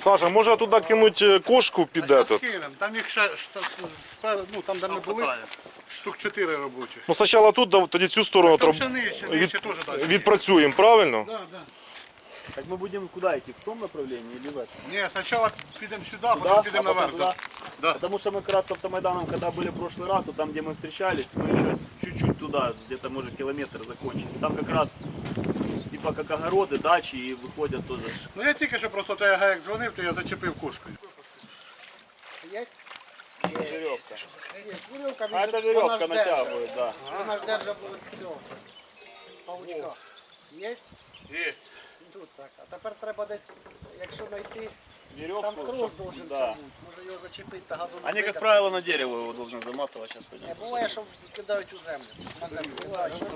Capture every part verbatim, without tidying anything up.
Саша, може туди кинути кошку під этот? Там їх ще спереду, ну там де ми були, штук чотири робочих. Ну спочатку тут, тоді цю сторону Там троб- ще нижче, від- нижче теж далі. відпрацюємо, правильно? Да, да. Так мы будем куда идти? В том направлении или в этом? Ні, спочатку підемо сюди, потім Да? підемо А потом наверх. туда? Да. Потому что мы как раз с Автомайданом, когда были в прошлый раз, вот там, где мы встречались, мы еще чуть-чуть туда, где-то может километр закончили. Там как раз типа как огороды, дачи и выходят тоже. Ну я тільки що просто той як дзвонив, то я зачепив кошкою. Есть? Веревка. Есть веревка. А это веревка натягивает, да. Вона ж держа буде цього. Павучка. Есть? Є. Тут так. А тепер треба десь, якщо знайти, Веревку. там трос чтоб- должен да. бути. Може його зачепити та газон. Они, как правило, на дерево его должны заматывать. Сейчас Не пойдем. буває, що кидають у землю. На землю кидають. що-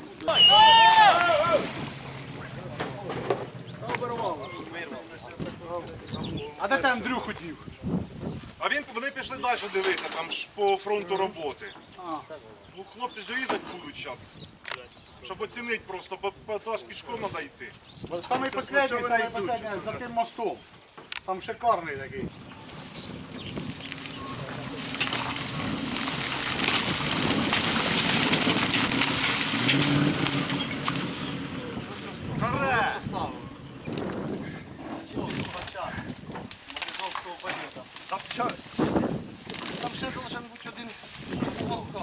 А де ти Андрюху дів? А він, вони пішли далі дивитися, там ж по фронту роботи. Ну, хлопці ж різати будуть зараз. Щоб оцінити просто, бо бо аж пішком треба йти. Самий останній, самий останній, за тим мостом. Там шикарний такий. Харе! Там ще должен бути один волка.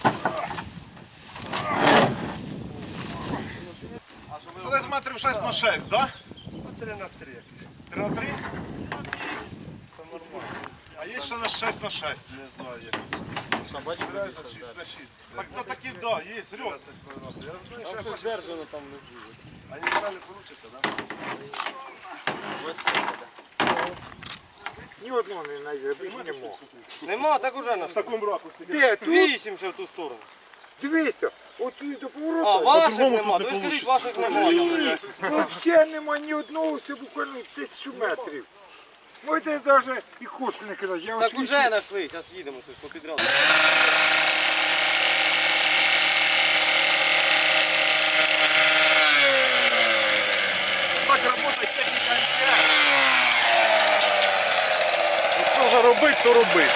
Це десь метрів шість на шість, так? три на три. три на три? Це нормально. А є ще на шість на шість. Не знаю, як. Собачка шість на шість. Так, та такі, да, є, серйозно. Я знаю, що я хочу. Сдержано там внизу. А не правильно получится, да? Ні одного не знайде, більше не мог. Нема, так уже на В такому ракурсі. Де? Тут? вісім ще в ту сторону. Дивися, оцю до А, поворота. ваших по-другому нема, тут то не ви скажіть, получиться. ваших нема. Взагалі нема ні одного, це буквально тисячу метрів. Можете навіть і кошку не кидати. Я Так от уже знайшли, зараз їдемо тут попідряд. Так працює техніка ем те ес. Що вже робити, то робити.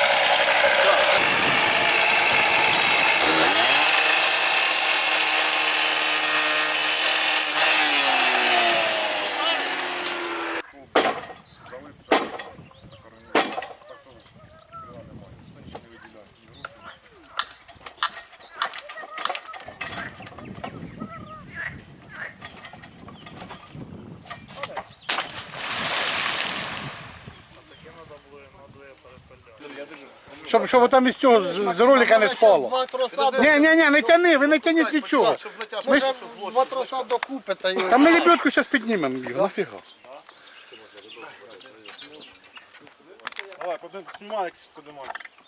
Щоб, щоб там із цього з, з ролика не спало. Два троса до... Ні, ні, ні, не тяни, ви не тяніть нічого. Може, два троса докупи та й... Та ми лебедку зараз піднімемо їх, нафіга. Давай, знімай якось подимай.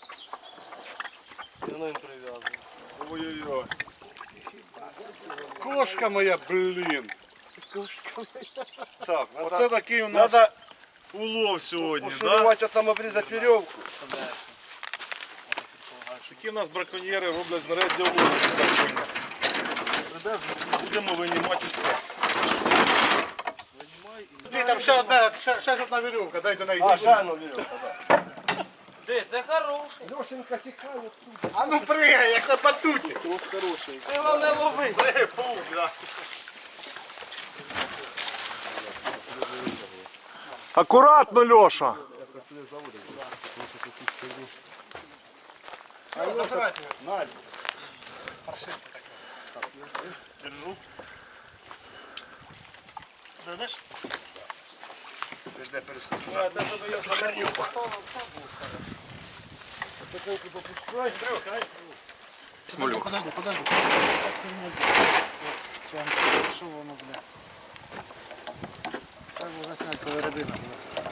Воно їм прив'язано. Ой-ой-ой. Кошка моя, блін. Так, оце такий у нас улов сьогодні, так? а там обрізати веревку. Такі у нас браконьєри роблять знаряддя лову. Будемо винімати все. Ні, там ще одна, ще, ще ж одна вірювка, дай до неї. А, ще одна веревка, так. Де, це хороший. Льошенька тікає. А ну пригай, як на батуті. Ти вам не лови. Пригай, паук, да. Акуратно, Льоша. Держу. Зайдеш? Жде перескочу. Смолюк. Подожди, подожди. Що воно, бля? Так можна зняти, коли рибина буде.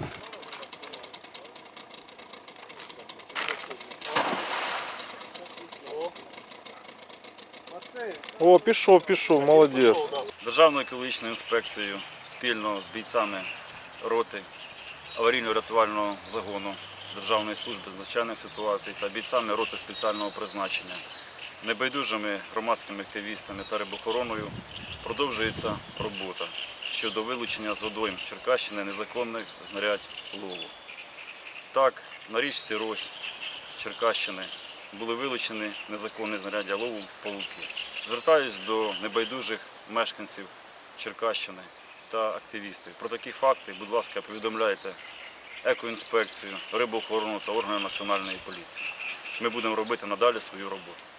О, пішов, пішов, молодець. Державною екологічною інспекцією спільно з бійцями роти аварійно-рятувального загону Державної служби з надзвичайних ситуацій та бійцями роти спеціального призначення, небайдужими громадськими активістами та рибохороною продовжується робота. щодо вилучення з водойм Черкащини незаконних знарядь лову. Так, на річці Рось Черкащини були вилучені незаконні знаряддя лову павуки. Звертаюсь до небайдужих мешканців Черкащини та активістів. Про такі факти, будь ласка, повідомляйте екоінспекцію, рибоохорону та органи національної поліції. Ми будемо робити надалі свою роботу.